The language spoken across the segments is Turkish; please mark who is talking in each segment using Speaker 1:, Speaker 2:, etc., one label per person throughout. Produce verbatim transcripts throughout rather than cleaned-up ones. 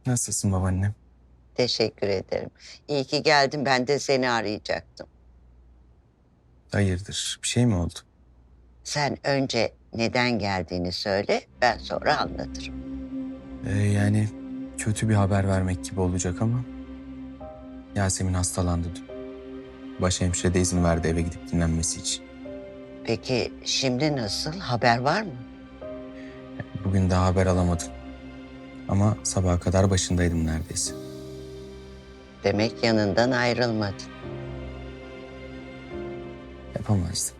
Speaker 1: Nasılsın babaannem?
Speaker 2: Teşekkür ederim. İyi ki geldin. Ben de seni arayacaktım.
Speaker 1: Hayırdır? Bir şey mi oldu?
Speaker 2: Sen önce neden geldiğini söyle, ben sonra anlatırım.
Speaker 1: Ee, yani kötü bir haber vermek gibi olacak ama Yasemin hastalandı dün. Başhemşire de izin verdi eve gidip dinlenmesi için.
Speaker 2: Peki şimdi nasıl? Haber var mı?
Speaker 1: Bugün daha haber alamadım. Ama sabaha kadar başındaydım neredeyse.
Speaker 2: Demek yanından ayrılmadın.
Speaker 1: Yapamazdım.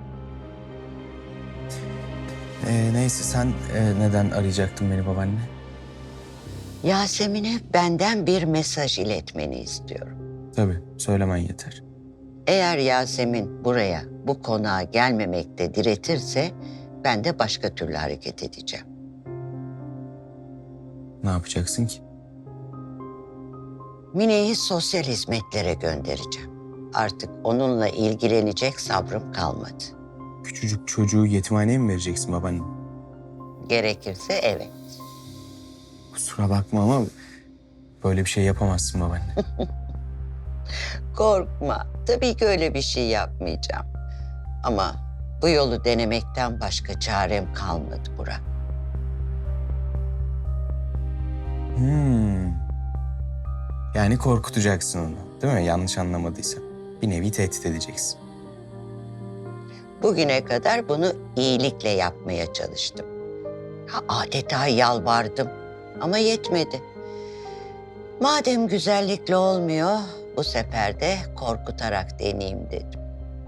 Speaker 1: Ee, neyse sen e, neden arayacaktın beni babaanne?
Speaker 2: Yasemin'e benden bir mesaj iletmeni istiyorum.
Speaker 1: Tabii söylemen yeter.
Speaker 2: Eğer Yasemin buraya, bu konağa gelmemekte diretirse ben de başka türlü hareket edeceğim.
Speaker 1: Ne yapacaksın ki?
Speaker 2: Mine'yi sosyal hizmetlere göndereceğim. Artık onunla ilgilenecek sabrım kalmadı.
Speaker 1: Küçücük çocuğu yetimhaneye mi vereceksin babaanne?
Speaker 2: Gerekirse evet.
Speaker 1: Kusura bakma ama böyle bir şey yapamazsın babaanne.
Speaker 2: Korkma. Tabii ki öyle bir şey yapmayacağım. Ama bu yolu denemekten başka çarem kalmadı Burak.
Speaker 1: Hmm. Yani korkutacaksın onu, değil mi? Yanlış anlamadıysam. Bir nevi tehdit edeceksin.
Speaker 2: Bugüne kadar bunu iyilikle yapmaya çalıştım. Ha, adeta yalvardım ama yetmedi. Madem güzellikle olmuyor, bu sefer de korkutarak deneyeyim dedim.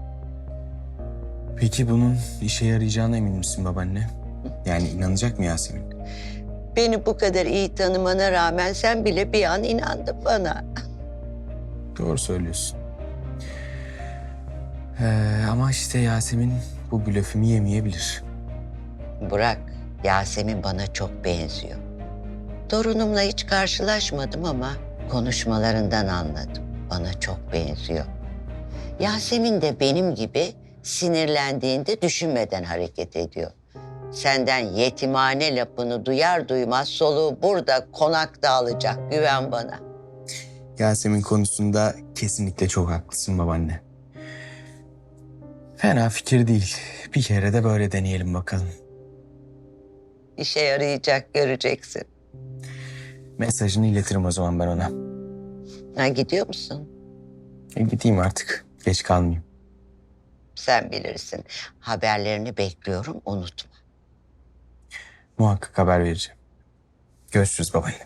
Speaker 1: Peki bunun işe yarayacağına emin misin babaanne? Yani inanacak mı Yasemin?
Speaker 2: Beni bu kadar iyi tanımana rağmen sen bile bir an inandın bana.
Speaker 1: Doğru söylüyorsun. Ee, ama işte Yasemin bu blöfümü yemeyebilir.
Speaker 2: Burak, Yasemin bana çok benziyor. Torunumla hiç karşılaşmadım ama konuşmalarından anladım. Bana çok benziyor. Yasemin de benim gibi sinirlendiğinde düşünmeden hareket ediyor. Senden yetimhane lafını duyar duymaz soluğu burada konakta alacak. Güven bana.
Speaker 1: Yasemin konusunda kesinlikle çok haklısın babaanne. Fena fikir değil. Bir kere de böyle deneyelim bakalım.
Speaker 2: İşe yarayacak göreceksin.
Speaker 1: Mesajını iletirim o zaman ben ona.
Speaker 2: Ha, gidiyor musun?
Speaker 1: E, gideyim artık. Geç kalmayayım.
Speaker 2: Sen bilirsin. Haberlerini bekliyorum, unutma.
Speaker 1: Muhakkak haber vereceğim. Görüşürüz babaanne.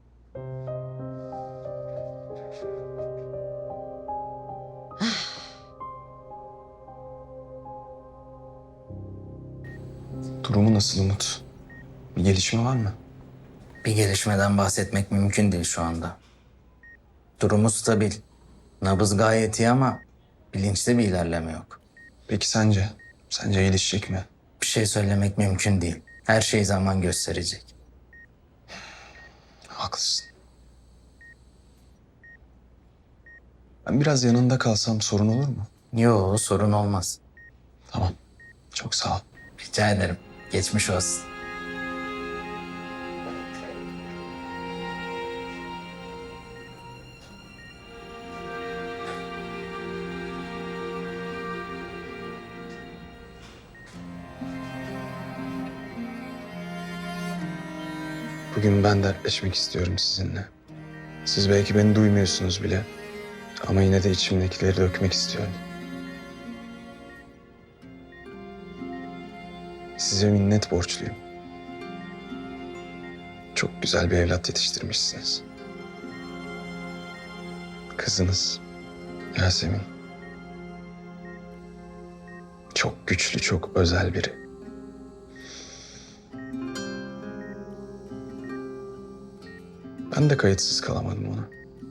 Speaker 1: Durumu nasıl Umut? Bir gelişme var mı?
Speaker 3: Bir gelişmeden bahsetmek mümkün değil şu anda. Durumu stabil. Nabız gayet iyi ama bilinçte bir ilerleme yok.
Speaker 1: Peki sence? Sence iyileşecek mi?
Speaker 3: Bir şey söylemek mümkün değil. Her şey zaman gösterecek.
Speaker 1: Haklısın. Ben biraz yanında kalsam sorun olur mu?
Speaker 3: Yo, sorun olmaz.
Speaker 1: Tamam. Çok sağ ol.
Speaker 3: Rica ederim. Geçmiş olsun.
Speaker 1: Bugün ben dertleşmek istiyorum sizinle. Siz belki beni duymuyorsunuz bile. Ama yine de içimdekileri dökmek istiyorum. Size minnet borçluyum. Çok güzel bir evlat yetiştirmişsiniz. Kızınız Yasemin. Çok güçlü, çok özel biri. Ben de kayıtsız kalamadım ona.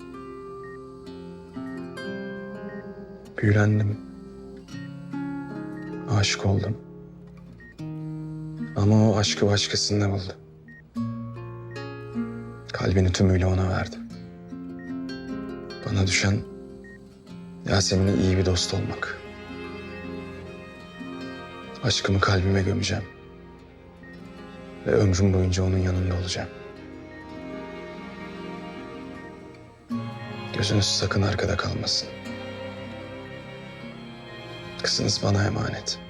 Speaker 1: Büyülendim. Aşık oldum. Ama o aşkı başkasında buldu. Kalbini tümüyle ona verdi. Bana düşen Yasemin'e iyi bir dost olmak. Aşkımı kalbime gömeceğim. Ve ömrüm boyunca onun yanında olacağım. Gözünüz sakın arkada kalmasın. Kızınız bana emanet.